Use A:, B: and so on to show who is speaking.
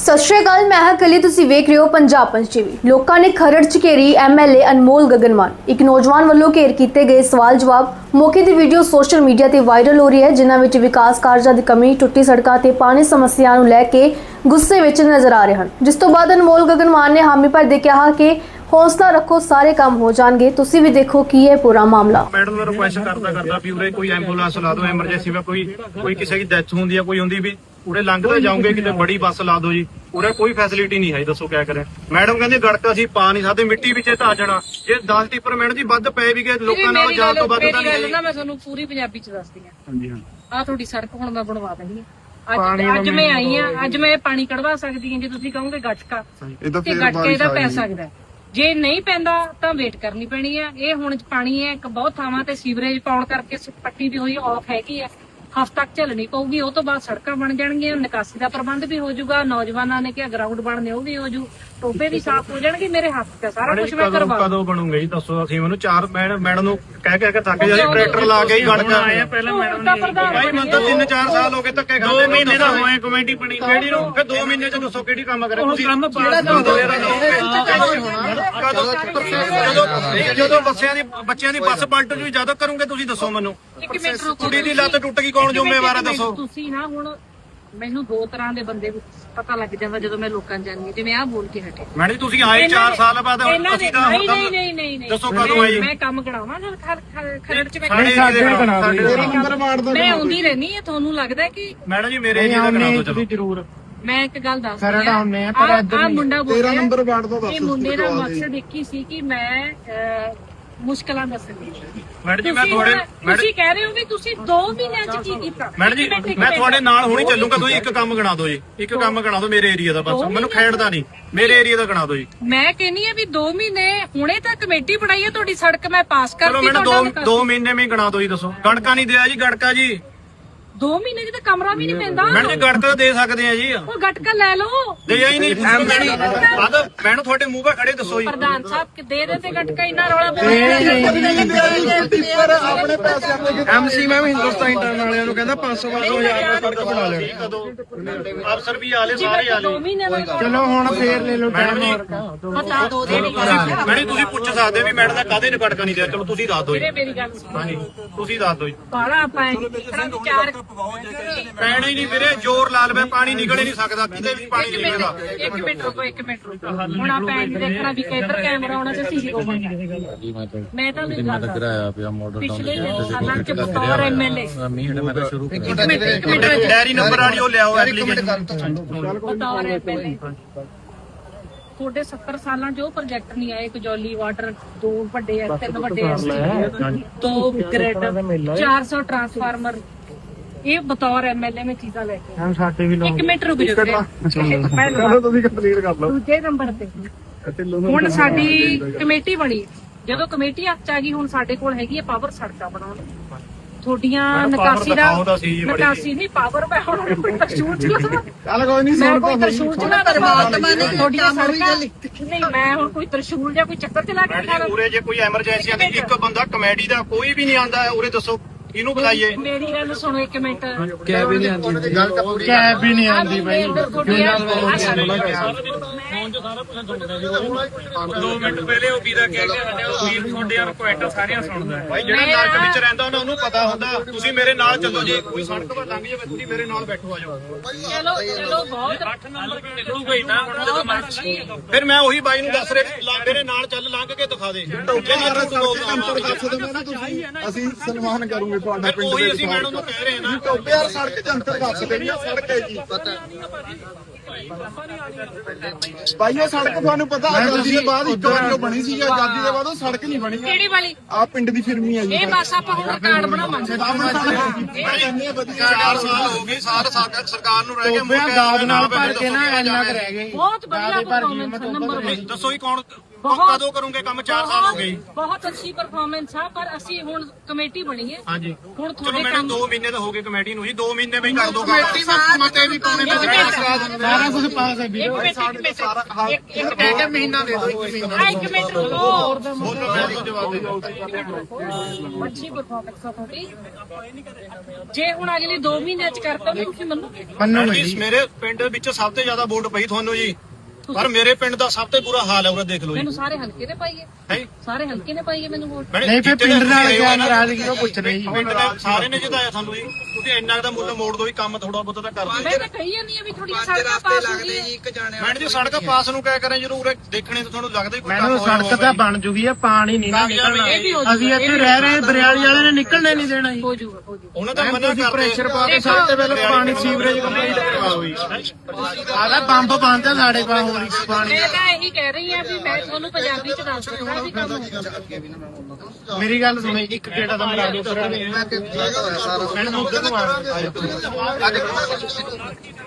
A: ਸਤਿ ਸ਼੍ਰੀ ਅਕਾਲ, ਮੈਂ ਹਾਂ ਕਲੀ। ਤੁਸੀਂ ਵੇਖ ਰਹੇ ਹੋ ਪੰਜਾਬ ਪੰਚ ਟੀਵੀ। ਲੋਕਾਂ ਨੇ ਖਰੜ ਚ ਘੇਰੀ ਐਮਐਲਏ ਅਨਮੋਲ ਗਗਨ ਮਾਨ। ਇੱਕ ਨੌਜਵਾਨ ਵੱਲੋਂ ਘੇਰ ਕੀਤੇ ਗਏ ਸਵਾਲ ਜਵਾਬ ਮੌਕੇ ਦੀ ਵੀਡੀਓ ਸੋਸ਼ਲ ਮੀਡੀਆ ਤੇ ਵਾਇਰਲ ਹੋ ਰਹੀ ਹੈ, ਜਿਨ੍ਹਾਂ ਵਿੱਚ ਵਿਕਾਸ ਕਾਰਜਾਂ ਦੀ ਕਮੀ, ਟੁੱਟੀ ਸੜਕਾਂ ਤੇ ਪਾਣੀ ਸਮੱਸਿਆ ਨੂੰ ਲੈ ਕੇ ਗੁੱਸੇ ਵਿੱਚ ਨਜ਼ਰ ਆ ਰਹੇ ਹਨ। ਜਿਸ ਤੋਂ ਬਾਅਦ ਅਨਮੋਲ ਗਗਨ ਮਾਨ ਨੇ ਹਾਮੀ ਭਰਦੇ ਕਿਹਾ ਕਿ ਹੌਸਲਾ ਰੱਖੋ, ਸਾਰੇ ਕੰਮ ਹੋ ਜਾਣਗੇ। ਤੁਸੀਂ ਵੀ ਦੇਖੋ ਕੀ ਹੈ ਪੂਰਾ ਮਾਮਲਾ।
B: ਮੈਡਮ ਨੂੰ ਰਿਕੁਐਸਟ ਕਰਦਾ ਵੀ ਉਰੇ ਕੋਈ ਐਂਬੂਲੈਂਸ ਲਾ ਦਿਓ, ਐਮਰਜੈਂਸੀ ਵਿੱਚ ਕੋਈ ਕਿਸੇ ਦੀ ਡੈਥ ਹੁੰਦੀ ਹੈ, ਕੋਈ ਹੁੰਦੀ ਵੀ ਉਰੇ ਲੰਘਦੇ ਜਾਓਗੇ ਕਿਤੇ ਬੜੀ ਬੱਸ ਲਾ ਦਿਓ ਜੀ। ਉਰੇ ਕੋਈ ਫੈਸਿਲਿਟੀ ਨਹੀਂ ਹੈ, ਦੱਸੋ ਕਿਆ ਕਰੇ। ਮੈਡਮ ਕਹਿੰਦੇ ਗੜਕਾ ਅਸੀਂ ਪਾ ਨਹੀਂ ਸਕਦੇ, ਮਿੱਟੀ ਵਿੱਚ ਧਾ ਜਾਣਾ। ਜੇ 10 ਟਿੱਪਰ ਮੈਡਮ ਜੀ ਵੱਧ ਪਏ ਵੀ ਗਏ ਲੋਕਾਂ ਨਾਲ ਜਾਣ ਤੋਂ ਵੱਧ ਤਾਂ ਨਹੀਂ ਹੈ।
C: ਮੈਂ ਤੁਹਾਨੂੰ ਪੂਰੀ ਪੰਜਾਬੀ ਚ ਦੱਸਦੀ ਹਾਂ।
B: ਹਾਂਜੀ ਹਾਂ,
C: ਆਹ ਤੁਹਾਡੀ ਸੜਕ ਹੁਣ ਮੈਂ ਬਣਵਾ ਦਿੰਦੀ ਹਾਂ। ਅੱਜ ਮੈਂ ਆਈ ਹਾਂ, ਅੱਜ ਮੈਂ ਪਾਣੀ ਕਢਵਾ ਸਕਦੀ ਹਾਂ। ਜੇ ਤੁਸੀਂ ਕਹੋਗੇ ਗਟਕਾ ਤੇ ਗਟਕੇ ਦਾ ਪੈ ਸਕਦਾ, ਜੇ ਨਹੀਂ ਪੈਂਦਾ ਤਾਂ ਵੇਟ ਕਰਨੀ ਪੈਣੀ ਹੈ। ਇਹ ਹੁਣ ਪਾਣੀ ਹੈ ਬਹੁਤ ਥਾਵਾਂ ਤੇ ਸੀਵਰੇਜ ਪਾਉਣ ਕਰਕੇ ਪੱਟੀ ਵੀ ਹੋਈ ਆਫ ਹੈਗੀ ਹੈ, ਹਫ਼ਤਾ ਤੱਕ ਝੱਲਣੀ ਪਊਗੀ। ਉਹ ਤੋਂ ਬਾਅਦ ਸੜਕਾਂ ਬਣ ਜਾਣਗੀਆਂ, ਨਿਕਾਸੀ ਦਾ ਪ੍ਰਬੰਧ ਵੀ ਹੋ ਜਾਊਗਾ। ਨੌਜਵਾਨਾਂ ਨੇ ਕਿਹਾ ਗਰਾਊਂਡ ਬਣਨੇ ਉਹ ਵੀ ਹੋ ਜੂ, ਟੋਬੇ ਵੀ ਸਾਫ਼ ਹੋ ਜਾਣਗੇ। ਮੇਰੇ ਹੱਥ ਤੇ ਸਾਰਾ ਕੁਝ ਮੈਂ ਕਰਵਾ।
B: ਕਦੋਂ ਬਣੂਗਾ ਜੀ ਦੱਸੋ। ਅਸੀਂ ਮੈਨੂੰ ਚਾਰ ਮੈਡਮ ਨੂੰ ਕਹਿ ਕੇ ਥੱਕ ਜਾਂਦੇ, ਟਰੈਕਟਰ ਲਾ ਕੇ ਹੀ ਗੜਕਾ ਆਏ ਆ। ਪਹਿਲਾਂ ਮੈਡਮ ਨੇ ਭਾਈ ਮੈਨੂੰ ਤਾਂ 3-4 ਸਾਲ ਹੋ ਗਏ ਧੱਕੇ ਖਾਂਦੇ। 2 ਮਹੀਨੇ ਦਾ ਹੋਏ ਕਮੇਟੀ ਬਣੀ ਕਿਹੜੀ ਨੂੰ, ਫਿਰ 2 ਮਹੀਨੇ ਚ ਦੱਸੋ ਕਿਹੜੀ ਕੰਮ ਕਰੇ ਤੁਸੀਂ। ਜਦੋਂ ਬੱਚਿਆਂ ਦੀ ਬੱਸ ਪਲਟ ਜੂ ਜਦੋਂ ਕਰੋਗੇ ਤੁਸੀਂ ਦੱਸੋ ਮੈਨੂੰ। ਕੁੜੀ ਦੀ ਲੱਤ ਟੁੱਟ ਗਈ, ਕੌਣ ਜ਼ਿੰਮੇਵਾਰ ਹੈ ਦੱਸੋ।
C: ਤੁਸੀਂ ਨਾ ਹੁਣ ਮੈਨੂੰ ਦੋ ਤਰ੍ਹਾਂ ਦੇ ਬੰਦੇ ਪਤਾ ਲੱਗ ਜਾਂਦਾ ਜਦੋਂ ਮੈਂ ਲੋਕਾਂ ਜਾਂਦੀ, ਜਿਵੇਂ ਆਹ ਬੋਲ ਕੇ ਹਟੇ।
B: ਮੈਡਮ ਜੀ ਤੁਸੀਂ ਆਏ 4 ਸਾਲ ਬਾਅਦ, ਅਸੀਂ ਤਾਂ
C: ਨਹੀਂ
B: ਦੱਸੋ ਕਦੋਂ ਆਏ ਜੀ।
C: ਮੈਂ ਕੰਮ ਕਰਾਵਾਂ ਜਦ ਖਰੜ ਚ
B: ਮੈਂ
C: ਆਉਂਦੀ ਰਹਿਣੀ ਹੈ। ਤੁਹਾਨੂੰ ਲੱਗਦਾ ਕਿ
B: ਮੈਡਮ ਜੀ ਮੇਰੇ ਏਰੀਆ ਦਾ ਕਰਾ ਦਿਓ ਚਲੋ ਜ਼ਰੂਰ।
C: ਮੈਂ ਇੱਕ ਗੱਲ ਦੱਸਦੀ ਹਾਂ, ਆਹ ਮੁੰਡਾ ਬੋਲ ਰਿਹਾ 13 ਨੰਬਰ ਵਾਰਡ ਤੋਂ ਦੱਸ। ਇਹ ਮੁੰਡੇ ਦਾ ਮਕਸਦ ਇੱਕ ਹੀ ਸੀ ਕਿ ਮੈਂ ਮੁਸ਼ਕਲਾਂ ਦੱਸਣੀ।
B: ਮੈਡਮ ਜੀ
C: ਤੁਸੀਂ ਕਹਿ ਰਹੇ ਹੋ ਵੀ ਤੁਸੀਂ 2 ਮਹੀਨਿਆਂ ਚ ਕੀ ਕੀਤਾ।
B: ਮੈਡਮ ਜੀ ਮੈਂ ਤੁਹਾਡੇ ਨਾਲ ਹੁਣੀ ਚੱਲੂਗਾ। ਤੁਸੀਂ ਇੱਕ ਕੰਮ ਗਣਾ ਦਿਓ ਜੀ, ਇੱਕ ਕੰਮ ਗਣਾ ਦਿਓ ਮੇਰੇ ਏਰੀਆ ਦਾ। ਬਸ ਮੈਨੂੰ ਖੇਡਦਾ ਨਹੀਂ, ਮੇਰੇ ਏਰੀਆ ਦਾ ਗਣਾ ਦਿਓ ਜੀ।
C: ਮੈਂ ਕਹਿੰਨੀ ਆ ਵੀ 2 ਮਹੀਨੇ ਹੁਣੇ ਤਾਂ ਕਮੇਟੀ ਬਣਾਈ ਹੈ ਤੁਹਾਡੀ, ਸੜਕ ਮੈਂ ਪਾਸ ਕਰਤੀ।
B: ਮੈਨੂੰ 2 ਮਹੀਨੇ ਵਿੱਚ ਗਣਾ ਦਿਓ ਜੀ। ਦੱਸੋ ਗੜਕਾ ਨਹੀਂ ਦਿਆ ਜੀ, ਗੜਕਾ ਜੀ
C: 2 ਮਹੀਨੇ ਚ ਤਾਂ ਕਮਰਾ ਵੀ ਨਹੀਂ ਪੈਂਦਾ।
B: ਮੈਡਮ ਜੀ ਗੜਕਾ ਦੇ ਸਕਦੇ ਆ ਜੀ।
C: ਉਹ ਗਟਕਾ ਲੈ ਲਓ।
B: ਦੇ ਹੀ ਨਹੀਂ ਮੈਨੂੰ ਤੁਹਾਡੇ ਮੂੰਹ 'ਤੇ ਖੜੇ ਦੱਸੋ ਜੀ।
C: ਪ੍ਰਧਾਨ ਸਾਹਿਬ ਕਿ ਦੇ ਦੇ ਤੇ ਗਟਕਾ ਇੰਨਾ ਰੌਲਾ
B: ਐਮਸੀ ਮੈਂ ਵੀ ਹਿੰਦੁਸਤਾਨ ਇੰਟਰਨ ਵਾਲਿਆਂ ਨੂੰ ਕਹਿੰਦਾ 500-2000 ਦਾ ਸੜਕ ਬਣਾ ਲੈਣੀ। ਅਫਸਰ ਵੀ ਆਲੇ ਸਾਰੇ ਆਲੇ।
C: 2 ਮਹੀਨੇ ਦਾ
B: ਚਲੋ ਹੁਣ ਫੇਰ ਲੈ ਲਓ ਮੈਡਮ ਜੀ। ਮੈਡਮ ਤੁਸੀਂ ਪੁੱਛ ਸਕਦੇ ਵੀ ਮੈਡਮ ਦਾ ਕਾਹਦੇ ਨੇ ਗੜਕਾ ਨਹੀਂ ਦਿਆ। ਚਲੋ ਤੁਸੀਂ ਦੱਸ ਦਿਓ ਜੀ।
C: ਮੇਰੀ ਗੱਲ ਸੁਣੋ।
B: ਹਾਂਜੀ ਤੁਸੀਂ ਦੱਸ ਦਿਓ ਜੀ।
C: ਬਾਹਲਾ ਆਪਾਂ ਵਿਚਾਰ
B: ਪੈਣਾ ਹੀ ਨਹੀਂ ਵੀਰੇ, ਜ਼ੋਰ ਲਾ ਲਵੇ ਪਾਣੀ ਨਿਕਲ ਹੀ ਨਹੀਂ ਸਕਦਾ, ਕਿਤੇ ਵੀ ਪਾਣੀ ਨਹੀਂ ਨਿਕਲਦਾ।
C: 1 ਮਿੰਟ ਰੁਕੋ। ਹੁਣ ਆਪਾਂ ਇਹ ਦੇਖਣਾ ਵੀ ਕਿੱਧਰ ਕੈਮਰਾ ਆਉਣਾ ਤੇ ਸੀਸੀ ਹੋਊਗਾ। ਮੈਂ ਤਾਂ ਵੀ ਗੱਲ
D: ਕਰਾਇਆ ਪਿਆ ਮਾਡਲ ਟਾਊਨ
C: ਪਿਛਲੇ ਸਾਲਾਂ ਚ ਬਤੌਰ ਐਮਐਲਏ
D: ਮੈਂ ਤਾਂ ਸ਼ੁਰੂ
C: ਇੱਕ ਮਿੰਟ
B: ਡੈਰੀ ਨੰਬਰ ਵਾਲੀ ਉਹ ਲਿਆਓ ਐਪਲੀਕੇਸ਼ਨ।
C: ਬਤੌਰ ਐਮਐਲਏ ਤੁਹਾਡੇ 70 ਸਾਲਾਂ 'ਚ ਉਹ ਪ੍ਰੋਜੈਕਟ ਨਹੀਂ ਆਏ। ਕਜੌਲੀ ਵਾਟਰ 2 ਵੱਡੇ ਐ, 3 ਵੱਡੇ ਐ, 2 ਗ੍ਰਿਡ, 400 ਟਰਾਂਸਫਾਰਮਰ। ਇਹ ਬਤੌਰ ਐਮਐਲਏ ਮੈਂ ਚੀਜ਼ਾਂ ਲੈ ਕੇ ਆਇਆ।
B: ਸਾਡੇ ਵੀ
C: 1 ਮਿੰਟ ਰੁਕ ਜਾਓ।
B: ਤੁਸੀਂ ਕੰਪਲੀਟ ਕਰ ਲਓ।
C: ਦੂਜੇ ਨੰਬਰ ਤੇ ਹੁਣ ਸਾਡੀ ਕਮੇਟੀ ਬਣੀ। ਜਦੋਂ ਕਮੇਟੀ ਹੱਥ 'ਚ ਆ ਗਈ, ਹੁਣ ਸਾਡੇ ਕੋਲ ਹੈਗੀ ਹੈ ਪਾਵਰ ਸੜਕਾਂ ਬਣਾਉਣ। ਤੁਹਾਡੀਆਂ ਨਿਕਾਸੀ ਨਹੀਂ ਪਾਵਰ। ਮੈਂ ਹੁਣ ਕੋਈ ਤਰਸ਼ੂਲ ਚਲਾਵਾਂ? ਚੱਲ ਕੋਈ ਨਹੀਂ, ਮੈਂ ਕੋਈ ਤਰਸ਼ੂਲ ਚਲਾ ਪਰਮਾਤਮਾ ਨੇ ਤੁਹਾਡੀਆਂ ਸੜਕਾਂ ਨਹੀਂ। ਮੈਂ ਹੁਣ ਕੋਈ ਤਰਸ਼ੂਲ ਜਾਂ ਕੋਈ ਚੱਕਰ ਚਲਾ ਕੇ ਦਿਖਾ ਦਾਂ?
B: ਉਰੇ ਜੇ ਕੋਈ ਐਮਰਜੈਂਸੀ ਆਂਦੀ, ਇੱਕ ਬੰਦਾ ਕਮੇਡੀ ਦਾ ਕੋਈ ਵੀ ਨਹੀਂ ਆਂਦਾ ਉਰੇ, ਦੱਸੋ ਇਹਨੂੰ ਬੁਲਾਈਏ।
C: ਮੇਰੀ ਗੱਲ ਸੁਣੋ 1 ਮਿੰਟ।
D: ਕੈਬ ਵੀ ਨਹੀਂ ਆਉਂਦੀ,
B: ਕੈਬ ਵੀ ਨਹੀਂ ਆਉਂਦੀ ਬਾਈ। 2 ਮਿੰਟ ਪਹਿਲੇ ਉਹ ਵੀਰਾ ਕਹਿ ਕੇ ਹਟਿਆ, ਉਹ ਵੀਰ ਤੁਹਾਡੇ ਰਿਕੁਐਸਟ ਸਾਰੀਆਂ ਸੁਣਦਾ ਬਾਈ। ਜਿਹੜਾ ਨਰਕ ਵਿੱਚ ਰਹਿੰਦਾ ਉਹਨੂੰ ਪਤਾ ਹੁੰਦਾ। ਤੁਸੀਂ ਮੇਰੇ ਨਾਲ ਚੱਲੋ ਜੀ, ਕੋਈ ਸੜਕ ਪਰ ਲੰਘ ਜਾਵੇ ਤੁਸੀਂ ਮੇਰੇ ਨਾਲ ਬੈਠੋ, ਆ ਜਾਓ।
C: ਚਲੋ ਬਹੁਤ 8 ਨੰਬਰ ਨਿਕਲੂਗਾ ਹੀ ਨਾ ਹੁਣ ਜਦੋਂ ਮਰਜ਼ੀ।
B: ਫਿਰ ਮੈਂ ਉਹੀ ਬਾਈ ਨੂੰ ਦੱਸ ਰਿਹਾ, ਮੇਰੇ ਨਾਲ ਚੱਲ, ਲੰਘ ਕੇ ਦਿਖਾ ਦੇ।
E: ਅਸੀਂ ਸਨਮਾਨ ਕਰੂਗੇ ਤੁਹਾਡਾ ਪਿੰਡ
B: ਉਹੀ ਅਸੀਂ ਮੈਡਮ ਨੂੰ ਕਹਿ ਰਹੇ ਨਾ।
E: ਟੋਬੇ ਯਾਰ ਸੜਕ ਜੰਤਰ ਦੱਸ ਦੇਣੀ ਆ, ਸੜਕ ਹੈ ਜੀ। ਭਾਈ ਇਹ ਸੜਕ ਤੁਹਾਨੂੰ ਪਤਾ ਆਜ਼ਾਦੀ ਦੇ ਬਾਅਦ ਇੱਕ ਵਾਰ ਜੋ ਬਣੀ ਸੀ, ਆਜ਼ਾਦੀ ਦੇ ਬਾਅਦ ਉਹ ਸੜਕ ਨਹੀਂ ਬਣੀ।
C: ਕਿਹੜੀ ਵਾਲੀ?
E: ਆ ਪਿੰਡ ਦੀ ਫਿਰਮੀ ਹੈ ਜੀ।
C: ਇਹ ਬਸ ਆਪਾਂ ਹੁਣ ਕਾਰਡ ਬਣਾਵਾਂਗੇ।
B: 4 ਸਾਲ ਹੋ ਗਏ, ਸਰਕਾਰ ਨੂੰ ਰਹਿ ਗਏ
D: ਦਾਦ ਨਾਲ ਭਰ ਕੇ ਨਾ ਇੰਨਾ ਕੁ ਰਹਿ ਗਏ।
C: ਬਹੁਤ ਵਧੀਆ ਪਰਫਾਰਮੈਂਸ ਨੰਬਰ 1।
B: ਦੱਸੋ ਹੀ ਕੌਣ ਕਦੋਂ ਕਰੋਗੇ ਕੰਮ? 4 ਸਾਲ ਹੋ ਗਏ ਜੀ।
C: ਬਹੁਤ ਅੱਛੀ ਪਰਫਾਰਮੈਂਸ ਆ, ਪਰ ਅਸੀਂ ਹੁਣ ਕਮੇਟੀ ਬਣੀ ਹੈ।
B: ਹਾਂਜੀ
C: ਹੁਣ
B: ਚਲੋ
C: ਤੁਹਾਡੇ
B: ਮੈਡਮ
C: ਕੰਮ
B: 2 ਮਹੀਨੇ ਤਾਂ ਹੋ ਗਏ ਕਮੇਟੀ ਨੂੰ ਜੀ, 2 ਮਹੀਨੇ ਵਿੱਚ ਕਰ ਦੋ
E: ਕਮੇਟੀ ਮਤੇ ਵੀ ਪਾਉਣੇ
C: ਇੱਕ ਮਿੰਟ।
E: ਸਾਰਾ ਕੁਝ ਪਾਸ ਹੈ
C: ਇੱਕ ਮਿੰਟ, ਇੱਕ ਮਿੰਟ, ਇੱਕ
E: ਕਹਿ ਕੇ ਮਹੀਨਾ ਦੇ ਦਿਓ, 1 ਮਹੀਨਾ
C: ਇੱਕ ਮਿੰਟ ਰੁਕੋ।
B: ਬੋਲੋ ਮੈਂ ਤੁਹਾਨੂੰ ਜਵਾਬ ਦੇ ਦਿਓ।
C: ਅੱਛੀ ਪਰਫਾਰਮੈਂਸ ਆ ਤੁਹਾਡੀ। ਜੇ ਹੁਣ ਅਗਲੇ 2 ਮਹੀਨਿਆਂ ਚ ਕਰਤਾ ਤਾਂ ਤੁਸੀਂ ਮੰਨੋਗੇ?
B: ਮੈਡਮ ਜੀ ਮੇਰੇ ਪਿੰਡ ਵਿੱਚ ਸਭ ਤੋਂ ਜ਼ਿਆਦਾ ਵੋਟ ਪਈ ਤੁਹਾਨੂੰ ਜੀ, ਪਰ ਮੇਰੇ ਪਿੰਡ ਦਾ ਸਭ ਤੋਂ ਬੁਰਾ ਹਾਲ ਹੈ ਉਰੇ ਦੇਖ ਲਓ ਜੀ।
C: ਮੈਨੂੰ ਸਾਰੇ ਹਲਕੇ ਨੇ ਪਾਈਏ,
B: ਹੈ
C: ਸਾਰੇ ਹਲਕੇ ਨੇ ਪਾਈਏ ਮੈਨੂੰ ਵੋਟ।
B: ਨਹੀਂ ਫਿਰ ਪਿੰਡ ਨਾਲ ਕਿਆ ਨਾਰਾਜ਼ਗੀ ਉਹ ਪੁੱਛ ਰਹੇ ਜੀ। ਪਿੰਡ ਨੇ ਸਾਰੇ ਨੇ ਜਿਤਾਇਆ ਤੁਹਾਨੂੰ ਜੀ, ਤੁਸੀਂ ਇੰਨਾ ਦਾ ਮੁੱਲ ਮੋੜ ਦੋ ਵੀ ਕੰਮ ਥੋੜਾ ਬਹੁਤਾ ਤਾਂ ਕਰ ਦਿਓ।
C: ਮੈਂ ਤਾਂ ਕਹੀ ਜਾਂਦੀ ਆ ਵੀ ਥੋੜੀਆਂ ਸੜਕਾਂ ਪਾਸ ਹੋ ਗਈਆਂ।
B: ਮੈਡਮ ਜੀ ਸੜਕ ਪਾਸ ਨੂੰ ਕਿਆ ਕਰਾਂ ਜਦੋਂ ਉਰੇ ਦੇਖਣੇ ਤਾਂ ਤੁਹਾਨੂੰ ਲੱਗਦਾ ਹੀ ਕੋਈ ਕੰਮ
F: ਮੈਨੂੰ
B: ਹੋਇਆ
F: ਸੜਕ ਤਾਂ ਬਣ ਜੂਗੀ ਆ, ਪਾਣੀ ਨਹੀਂ ਨਾ ਨਿਕਲਣਾ।
C: ਇਹ ਵੀ ਹੋ
F: ਅਸੀਂ ਇੱਥੇ ਰਹਿ ਰਹੇ ਬਰਿਆਲੀ ਵਾਲੇ ਨੇ ਨਿਕਲਣੇ ਨਹੀਂ ਦੇਣਾ ਜੀ।
C: ਹੋ ਜੂਗਾ, ਹੋ ਜੂਗਾ।
B: ਉਹਨਾਂ ਦਾ ਮਨਾ ਕਰਦੇ
F: ਪ੍ਰੈਸ਼ਰ ਪਾ ਕੇ ਸਭ ਤੋਂ ਪਹਿਲਾਂ ਪਾਣੀ ਸੀਵਰੇਜ ਕੰਪਲੀਟ ਕਰਵਾਓ ਜੀ। ਆਦਾ ਪੰਪ ਬੰਦ ਆ ਸਾਡੇ ਕੋਲ ਹੋਰ ਹੀ ਪਾਣੀ।
C: ਮੈਂ ਤਾਂ ਇਹੀ ਕਹਿ ਰਹੀ ਆ ਵੀ ਮੈਂ ਤੁਹਾਨੂੰ ਪੰਜਾਬੀ ਚ ਦੱਸ ਦਿੰਦਾ ਵੀ ਕੰਮ ਹੋਊਗਾ।
F: ਮੇਰੀ ਗੱਲ ਸੁਣੋ, ਇੱਕ ਗੇੜਾ ਦਾ ਮਰਾ ਦਿਓ।
E: ਮੈਂ ਕਿਹਾ ਸਾਰਾ
F: ਮੈਨੂੰ ਉੱਧਰ ਨੂੰ ਆ